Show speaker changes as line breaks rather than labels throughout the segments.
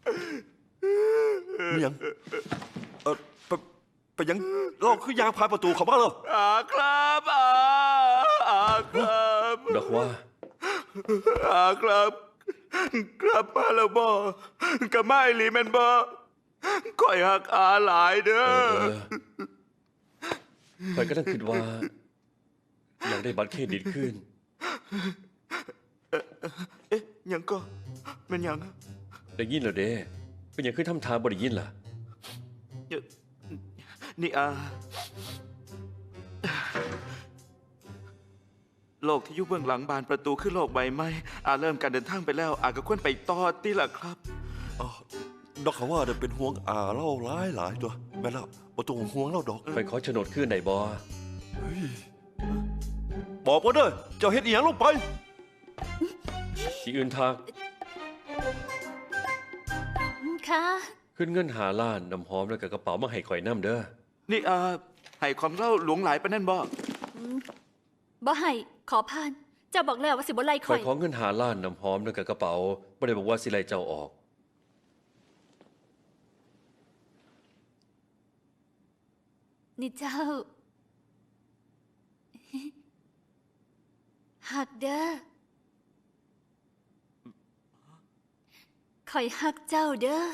มียังไปยังเราคือยางพายประตูเขาบ้างเหรอ
ครับครับ
ดอกว่า
ครับกลับมาแล้วบ่กับไม่ลีแมนบ่ก่อยหักหลายเด้อ
ข่อยก็ต้องคิดว่า อยากได้บัตรเครดิตขึ้น
เอ๊ะยังก็มันยัง
ได้ยินเหรอเด้เป็นอย่างขึ้นทำทางบ่ได้ยินล่ะ
นี่โลกที่อยู่เบื้องหลังบานประตูคือโลกใบไม้เริ่มการเดินทางไปแล้วก็ควรไปต่อติล่ะครับ
ดอกเขาว่าเป็นห่วงเล่าหลายตัวแม่เล่าประตูห่วงเล่าดอก
ไปขอโฉนดขึ้นไหนบอ
บอกว่าเด้อเจ้าเฮ็ดอีหยังลงไป
ที่อื่นทาง
ค่ะ
ขึ้นเงิน5 ล้านน้ำหอมแล้วกับกระเป๋ามาให้ข่อยน้ำเด้อ
นี่ให้ความเล่าหลวงหลายปะนั่นบ่
บ่ให้ขอผ่าน เจ้าบอกแล้วว่าสิบ่ไล่ข่
ข่
อ
อย ยขอเงิน5 ล้านน้ำหอมแล้วกับกระเป๋าบ่ได้บอกว่าสิไล่เจ้าออก
นี่เจ้า หักเด้อข่อยหักเจ้าเด้อ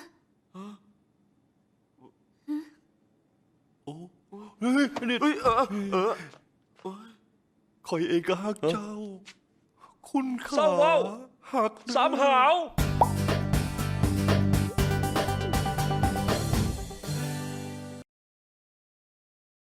โอ้เฮ้ยนี่คอยเองก็ฮักเจ้า คุณขา
เศร้าเว้า
หัก
สามหาว